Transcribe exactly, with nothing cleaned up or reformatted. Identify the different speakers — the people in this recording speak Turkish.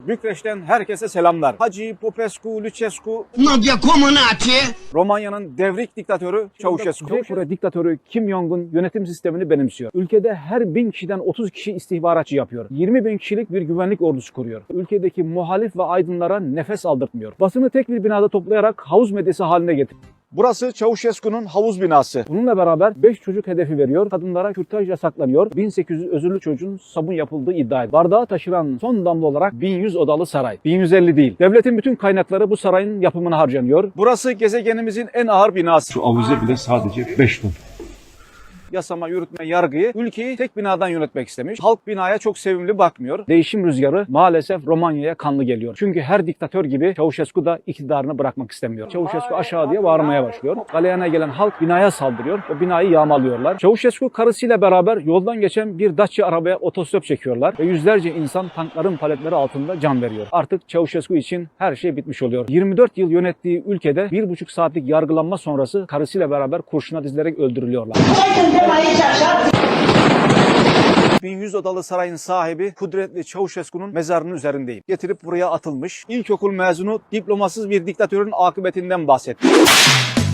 Speaker 1: Bükreş'ten herkese selamlar. Hacı Popescu, Lucescu,
Speaker 2: Nadia Comaneci.
Speaker 1: Romanya'nın devrik diktatörü Çavuşescu. Kuzey Kore diktatörü Kim Jong-un yönetim sistemini benimsiyor. Ülkede her bin kişiden otuz kişi istihbaratçı yapıyor. yirmi bin kişilik bir güvenlik ordusu kuruyor. Ülkedeki muhalif ve aydınlara nefes aldırtmıyor. Basını tek bir binada toplayarak havuz medyası haline getiriyor. Burası Çavuşescu'nun havuz binası. Bununla beraber beş çocuk hedefi veriyor. Kadınlara kürtaj yasaklanıyor. bin sekiz yüz özürlü çocuğun sabun yapıldığı iddia edilir. Bardağı taşıran son damla olarak bin yüz odalı saray. bin yüz elli değil. Devletin bütün kaynakları bu sarayın yapımına harcanıyor. Burası gezegenimizin en ağır binası.
Speaker 3: Şu avize bile sadece beş ton.
Speaker 1: Yasama, yürütme, yargıyı ülkeyi tek binadan yönetmek istemiş. Halk binaya çok sevimli bakmıyor. Değişim rüzgarı maalesef Romanya'ya kanlı geliyor. Çünkü her diktatör gibi Çavuşescu da iktidarını bırakmak istemiyor. Çavuşescu aşağı diye bağırmaya başlıyor. Galeyana gelen halk binaya saldırıyor. O binayı yağmalıyorlar. Çavuşescu karısıyla beraber yoldan geçen bir Dacia arabaya otostop çekiyorlar ve yüzlerce insan tankların paletleri altında can veriyor. Artık Çavuşescu için her şey bitmiş oluyor. yirmi dört yıl yönettiği ülkede bir buçuk saatlik yargılanma sonrası karısıyla beraber kurşuna dizilerek öldürülüyorlar. bin yüz odalı sarayın sahibi kudretli Çavuşescu'nun mezarının üzerindeyim. Getirip buraya atılmış. İlkokul mezunu diplomasız bir diktatörün akıbetinden bahsetti.